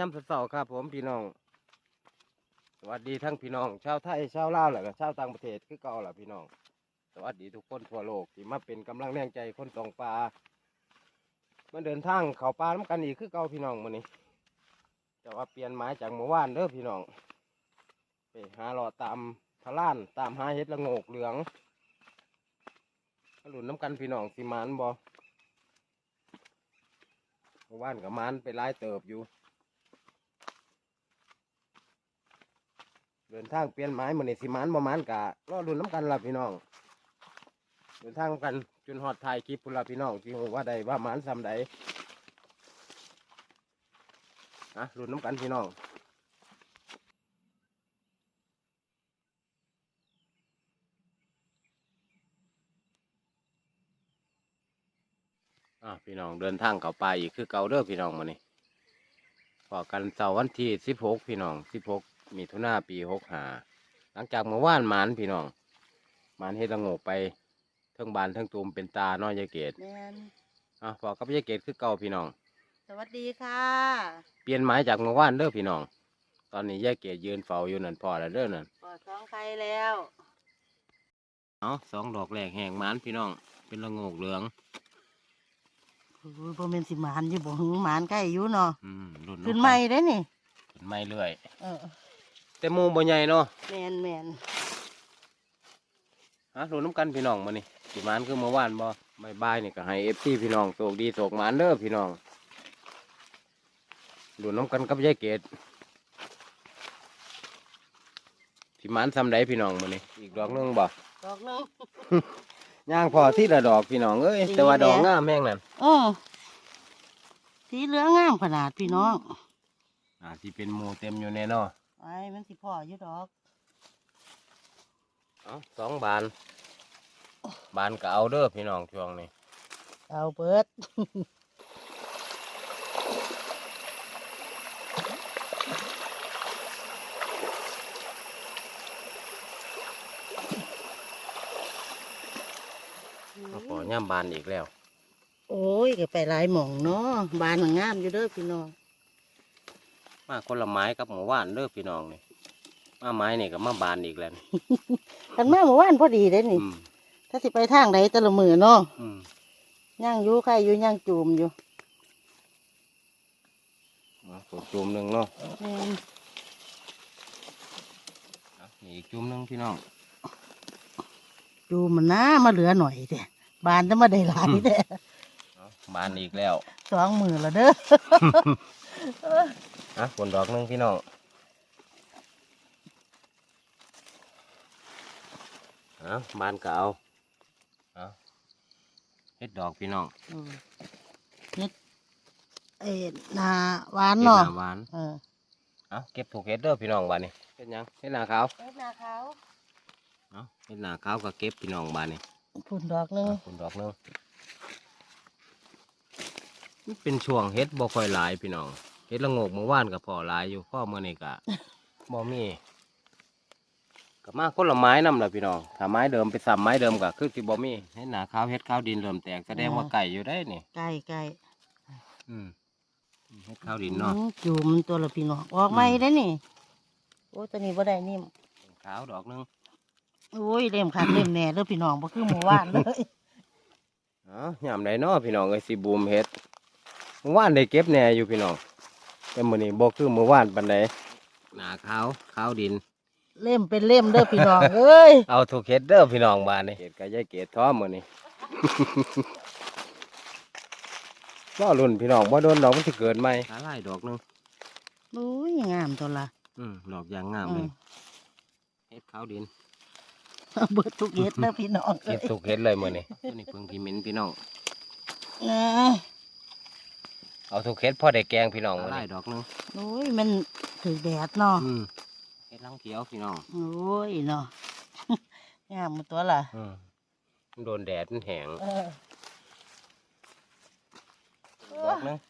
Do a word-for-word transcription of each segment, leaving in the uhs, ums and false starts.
ย่ำเสาร์ครับผมพี่น้องสวัสดีทั้งพี่น้องชาวไทยชาวลาวแหละก็ชาวต่างประเทศคือเก่าแหละพี่น้องสวัสดีทุกคนทั่วโลกที่มาเป็นกำลังแรงใจคนตองปลามาเดินทางเขาปลาน้ำกันอีกคือเก่าพี่น้องมื้อนี้แต่ว่าเปลี่ยนหมายจากเมื่อวานเด้อพี่น้องไปหาหลอดตามพะล้านตามหาเห็ดละโงกเหลืองหลุนน้ำกันพี่น้องสิมานบ่เมื่อวานกับมานไปไล่เติบอยู่เดินทางเปลี่ยนไม้เหมือนในสิมานประมาณกะรอรุ่นน้ำกันละพี่น้องเดินทางกันจนหอดถ่ายคลิปพุ่นละพี่น้องที่หูว่าใดว่าหมานซ้ำใดนะรุ่นน้ำกันพี่น้องอ่ะพี่น้องเดินทางเข้าป่าอีกคือเก่าเด้อพี่น้องมานี่พอกันเสาร์วันที่สิบหกพี่น้องสิบหกมิถุนาปีหกห้าหลังจากเมื่อวานหมานพี่น้องหมานเฮ็ดละโงกไปเทิงบานเทิงตูมเป็นตาน้อยยายเกศแมนอ่ะพอกับยายเกศคือเก่าพี่น้องสวัสดีค่ะเปลี่ยนหมายจากเมื่อวานเด้อพี่น้องตอนนี้ยายเกศยืนเฝ้าอยู่นั่นพอแล้วเด้อนั่นปอดท้องไข่แล้วเอาสองดอกแรกแหงหมานพี่น้องเป็นละโงกเหลืองโอ้ยพอเป็นสิหมานอยู่บ่หึงหมานใกล้อยู่เนาะอืมรุ่นขึ้นใหม่ได้นี่ขึ้นใหม่เรื่อยเออแต่หมูบ่ใหญ่เนาะแมนแมนฮะรุ่นน้ำกันพี่น้องมานี่สิหมานคือเมื่อวานบ่ไม่บายนี่ก็ให้เอฟซีพี่น้องโชคดีโชคหมานเด้อพี่น้องรุ่นน้ำกันกับยายเกศสิหมานซ้ำใดพี่น้องมานี่อีกดอกนึงบ่ดอกนึงย่างพอที่ละดอกพี่น้องเอ้ยแต่ว่าดอกงามแม่งนั่นอ๋อสีเหลืองงามขนาดพี่น้องอ่าที่เป็นหมูเต็มอยู่แน่นอนไอ้มันสิพ่ออยู่ดอกเอาสองบานบานก็เอาเด้อพี่น้องช่วงนี้เอาเปิดขอย่ำบานอีกแล้วโอ้ยก็ไปหลายหม่องเนาะบานมันงามอยู่เด้อพี่น้องมาคนละไม้กับหมูว่านเด้อพี่น้องนี่มาไม้นี่ก็มาบานอีกแล้วทันมาเมื่อวานพอดีเลยนี่ถ้าสิไปทางไหนตะละมือเนาะย่างอยู่ใครอยู่ย่างจูมอยู่ตัวจูมหนึ่งเนาะนี่อีกจูมหนึ่งพี่น้องจูมมันน้ามาเหลือหน่อยเด้บานจะมาได้หลายเด้บานอีกแล้วสองมือละเด้ออ่ะผลดอกหนึ่งพี่น้องอ่ะบานเก่าอ่ะเฮ็ดดอกพี่น้องเฮ็ดเอ็ดนาหวานเนาะหวานเออเอาเก็บถูกเฮ็ดเด้อพี่น้องบานนี่เฮ็ดยังเฮ็ดหน้าขาวเฮ็ดนาขาวเอาเฮ็ดหน้าขาวก็เก็บพี่น้องบานนี่ผลดอกนึงผลดอกนึงเป็นช่วงเฮ็ดบ่ค่อยหลายพี่น้องเฮ็ดละโงกเมื่อวานกับพอหลายอยู่พ่อเมื่อนี่กะ บ่มีกับมาคนละไม้นำแหละพี่น้องถ้าไม้เดิมไปซ้ำไม้เดิมก็คือสิบ่มีเฮ็ดหน้าขาวเฮ็ดขาวดินเริ่มแตกแสดงว่าไก่อยู่ได้นี่ไก่ไก่อืมเฮ็ดขาวดินเนาะจูมตัวละพี่น้องออกใหม่ได้นี่โอ้ตัวนี้บ่ได้นิ่มขาวดอกนึงโอ้ยเล่มขาดเล่มแหน่เด้อพี่น้องบ่คือหมู่บ้านเลยอ๋อยามใดเนาะพี่น้องเอ้ยสิบูมเฮ็ดเมื่อวานได้เก็บแหน่อยู่พี่น้องแต่มื้อนี้บ่คือเมื่อวานปานใดหน้าขาวขาวดินเล่มเป็นเล่มเด้อพี่น้องเอ้ยเอาถูกเฮ็ดเด้อพี่น้องบ้านนี่เฮ็ดกับยายเกศท้อมื้อนี้บ่รุ่นพี่น้องบ่โดนดอกมันสิเกิดใหม่หาหลายดอกนึงโอ้ยงามตัวละอืมดอกยางงามเลยเฮ็ดขาวดินเบิดทุกเฮ็ดเด้อพี่น้องเฮ็ดถูกเฮ็ดเลยมื้อนี้ตัวนี้เพิ่งที่มิ้นพี่น้องนะเอาถูกเฮ็ดพอได้แกงพี่น้องหลายดอกนึงโอ้ยมันถือแดดเนาะเฮ็ดลังเขียวพี่น้องโอ้ยเนาะงามตัวล่ะมันโดนแดดมันแห้งดอกนึง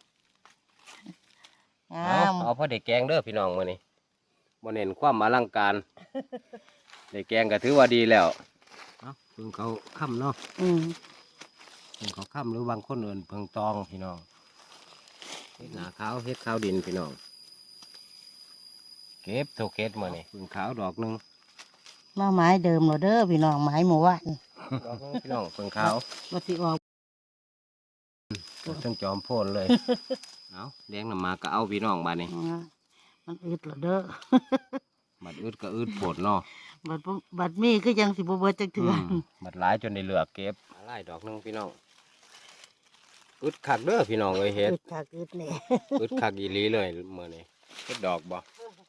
เอาเอาพอได้แกงเด้อพี่น้องมื้อนี้บ่เน้นความอลังการได้แกงก็ถือว่าดีแล้วเอ้าเพิ่งเขาค่ำเนาะอืมเพิ่งเขาค่ำหรือบางคนเอิ้นเพิ่งตองพี่น้องเฮ็ดหน้าขาวเฮ็ดขาวดินพี่น้องเก็บโทเก็ตมื้อนี้พึ่งขาวดอกหนึงมาไม้เดิมเราเด้อพี่น้องไม้หมู่บ้านดอกหนึงพี่น้องพึ่งขาวว่าสิออกทั้งจอมโพนเลย เอาแดงน้ำมาก็เอาพี่น้องบาดนี้นะมันอึดเหรอเด้อบัดอึดก็อึดโพดเนาะบัดบ่บัดมีคือยังสิบ่เบิดจักเถื่ออมบัดหลายจนได้เหลือกเก็บหลายดอกหนึงพี่น้องอึดคักเด้อพี่น้องเอ้ยเฮ็ดอึดคักอึดแหน่อึดคักอีหลีเลยมื้อนี้เฮ็ดดอกบ่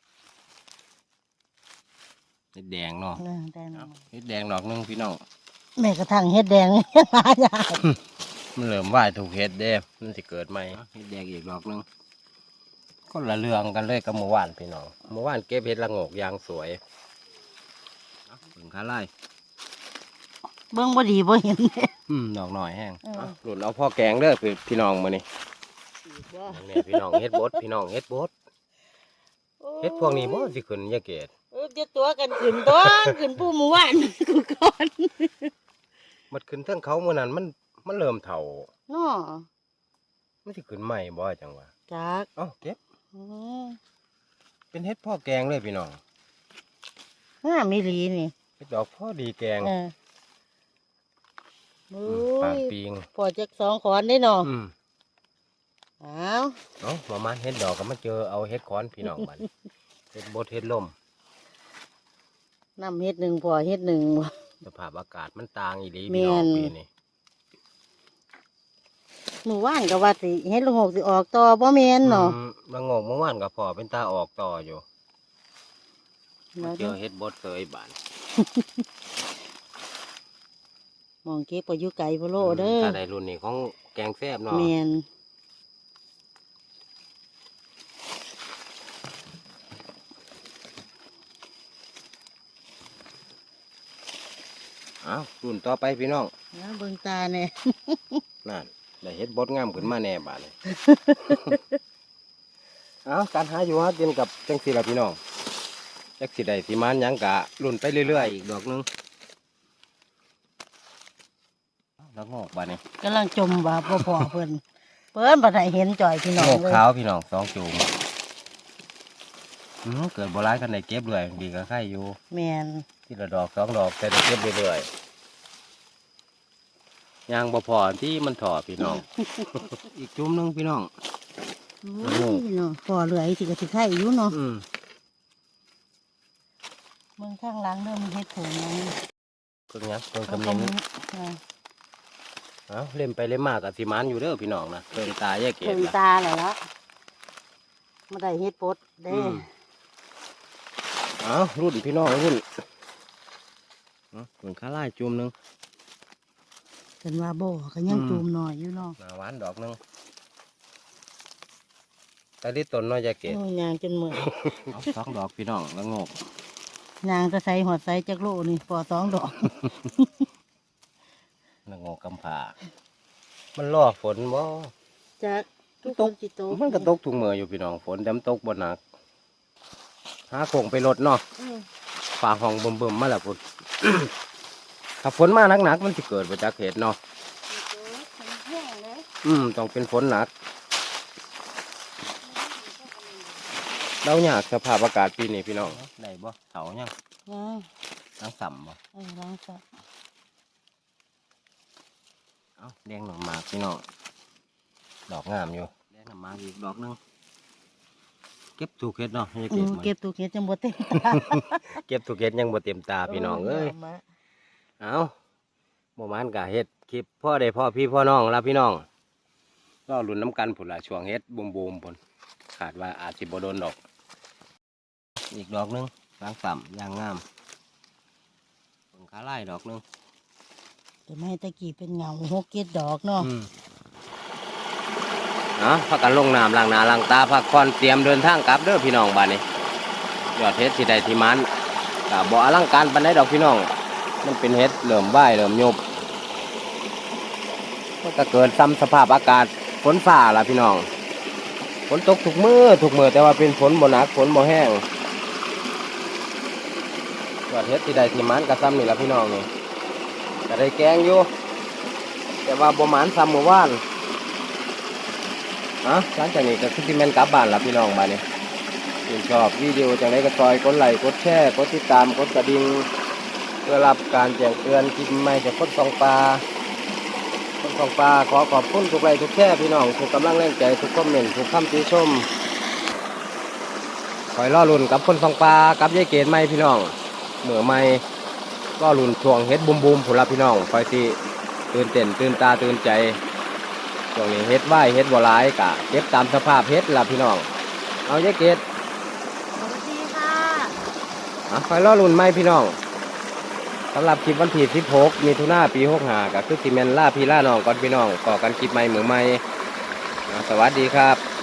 เฮ็ดแดงเนาะเออได้เนาะเฮ็ดแดงดอกหนึงพี่น้องแม่กระทั่งเฮ็ดแดง ยังหายากมันเริ่มว่ายถูกเฮ็ดเด้มันสิเกิดใหม่เฮ็ดแดงอีกดอกหนึงคนละเรื่องกันเลยกับเมื่อวานพี่น้องเมื่อวานเก็บเฮ็ดละโงกอย่างสวยเอาถึงขาไล่เบิ่งบ่ดีบ่เห็นอืมดอกหน่อยแห้งเออเอาหลุดเอาพ่อแกงเด้อพี่พี่น้องมื้อนี้นี่พี่น้องเฮ็ดบดพี่น้องเฮ็ดบดเฮ็ดพวกนี้บ่สิขึ้นยาเกตเออจะตัวกันขึ้นตัวขึ้นผู้หมู่บ้านกูก่อนมันขึ้นเทั้งเขามื้อนั้นมันมันเริ่มเฒ่าเนาะมันสิขึ้นใหม่บ่จังวะจักเอ้าเก็บอือเป็นเฮ็ดพ่อแกงเลยพี่น้องงามอีหลีนี่เฮ็ดดอกพ่อดีแกงเออโอ้มปากยปิงพอจักสองขอนได้เนาะอืมอ้าวเอ้าประมาณเฮ็ดดอกก็มาเจอเอาเฮ็ดคอนพี่น้องบัดนี้ เฮ็ดบดเฮ็ดลมน้ำเฮ็ดหนึ่งพอเฮ็ดหนึ่งบ่สภาพอากาศมันต่างอีหลีแม่พี่น้องนปีนี้หมู่บ้านก็ว่าสิเฮ็ดละโงกสิออกต่อบ่แม่นเนาะอืมละโงกเมื่อวานก็พอเป็นตาออกต่ออยู่แล้วเจอเฮ็ดบดเคยบานมองเก็บก็อยู่ไกลบ่โลเด้อถ้าได้รุ่นนี้ของแกงแซ่บเนาะแม่นอ้าวรุ่นต่อไปพี่น้องนะเบิ่งตาแน่นั่นได้เฮ็ดบดงามขึ้นมาแน่บาดนี้ เอ้าการหาอยู่หากินกับจังสิล่ะพี่น้องจักสิได้สิมานหยังกะรุ่นไปเรื่อยๆอีกดอกหนึงแล้วงอกบาดนี้กำลังจมว่าบ่พอเพิ่นเพิ่นบ่ได้เห็นจ่อยพี่น้องงอกเลยขาวพี่น้องสองจูงอืมเกิดบ่ร้ายกันได้เก็บเรื่อยดีก็ไข่อยู่แม่นทีละดอกสองดอกแต่ได้เก็บเรื่อยๆยางบ่พอที่มันถอดพี่น้อง อีกจุ่มหนึงพี่น้องโอ้ยเนาะพอเหลือสิก็สิไข่อยู่เนาะอืมเบิ่งข้างหลังเริ่มเฮ็ดถุงแล้วเพิ่งหยังเพิ่งเขากำก็เนิดมีอ่าเอ้าเล่มไปเล่มมากกับสิมันอยู่เด้อพี่น้องนะเพิ่งตายแยกเกเพิ่ศนละตาแล้วล่ะบ่ได้เฮ็ดปดเด้อืมเอ้ารุ่นพี่น้องรุ่นเอ้าเพิ่งข้าไล่จุ่มหนึงเพิ่นว่าบ่ก็ยังอืมจูมหน่อยอยู่เนาะหนาหวานดอกหนึงแต่ที่ต้นน้อยแยกเกศโอ้ยยางจนเมื่อยเอาสองดอกพี่น้องแล้วงอกยางจะใส่หอดใส่จักโลนี่พอสองดอกแล้วงอกกำผามันรอฝนบ่จักทุกตคกนสิโตมันก็ตกถุงมืออยู่พี่น้องฝนแต่มันตกบ่หนักหาโคงไปรถเนาะอืมฝ่าห้องเบิ่มๆมาแล้วพุ่น ถ้าฝนมาหนักๆมันสิเกิดบ่จักเหตุเนาะแห้งเลยอืมต้องเป็นฝนหนักเราอยากสภาพอากาศปีนี้พี่น้องได้บ่เสายังนะทั้งสัมบ่เออล้างซะเอ้าแดงหน่อหมากพี่น้องดอกงามอยู่แดงหน่อหมากอีกดอกหนึงเก็บถูกเฮ็ดเนาะอย่าอืเก็บมมันเก็บตัวเก็บจังบ่เต็มตาเก็บถูกเฮ็ดยังบ่เต็มตาพี่น้องเอ้ยมาเอ้าบ่มานกะเฮ็ดคลิปพ่อได้พ่อพี่พ่อน้องละพี่น้องรอลุ้นน้ำกันพุ่นละช่วงเฮ็ดบูมๆพุ่นขาดว่าอาจสิบ่โดนดอก อีกดอกหนึงล้างสัมยางงามเบิ่งขาไล่ดอกหนึงแต่ไม่ตะกี้เป็นเงาหกเก็ดดอกเนาะอืมเนาะพักกันลงน้ำล้างหน้าล้างตาพักผ่อนเตรียมเดินทางกลับเด้อพี่น้องบ้านนี้ยอดเฮ็ดสิได้ที่มันก็บ่อลังการปานใดดอกพี่น้อง มันเป็นเฮ็ดเริ่มไหวเริ่มยุบมันก็เกิดซ้ำสภาพอากาศฝนฟ้าล่ะพี่น้องฝนตกทุกมื้อทุกมื้อแต่ว่าเป็นฝนบ่หนักฝนบ่แห้งยอดเฮ็ดสิได้ที่มันก็ซ้ำนี่ล่ะพี่น้องนี่ก็ได้แกงอยู่แต่ว่าบ่หมานซ้ำเมื่อวาน อ่ะหลังจากนี้ก็คือที่แม่นกลับบ้านละพี่น้องบ้านนี้ชื่นชอบวิดีโอจังไรก็ซอยกดไลค์กดแชร์กดติดตามกดกระดิ่งเพื่อรับการแจ้งเตือนคลิปใหม่จากคนสองปลาคนสองปลาขอขอบคุณทุกไลค์ทุกแชร์พี่น้องทุกกำลังแรงใจทุกคอมเมนต์ทุกคำติชมคอยล่อลุ่นกับคนสองปลากับยายเกศใหม่พี่น้องเหมือใหม่ล่อลุ่นช่วงเฮ็ดบุมบุมผุนละพี่น้องคอยสิตื่นเต้นตื่นตาตื่นใจช่วงนี้เฮ็ดไหวเฮ็ดบ่หลายกะเก็บตามสภาพเฮ็ดละพี่น้องเอายายเกศสวัสดีค่ะอ่ะคอยล่อลุ่นใหม่พี่น้องสำหรับคลิปวันที่สิบหกมีทุนาปีหกห้าก็คือสิแมนล่าพี่ล่าน้องก่อนพี่น้องก่อกันคลิปใหม่เหมือนใหม่อ่ะสวัสดีครับ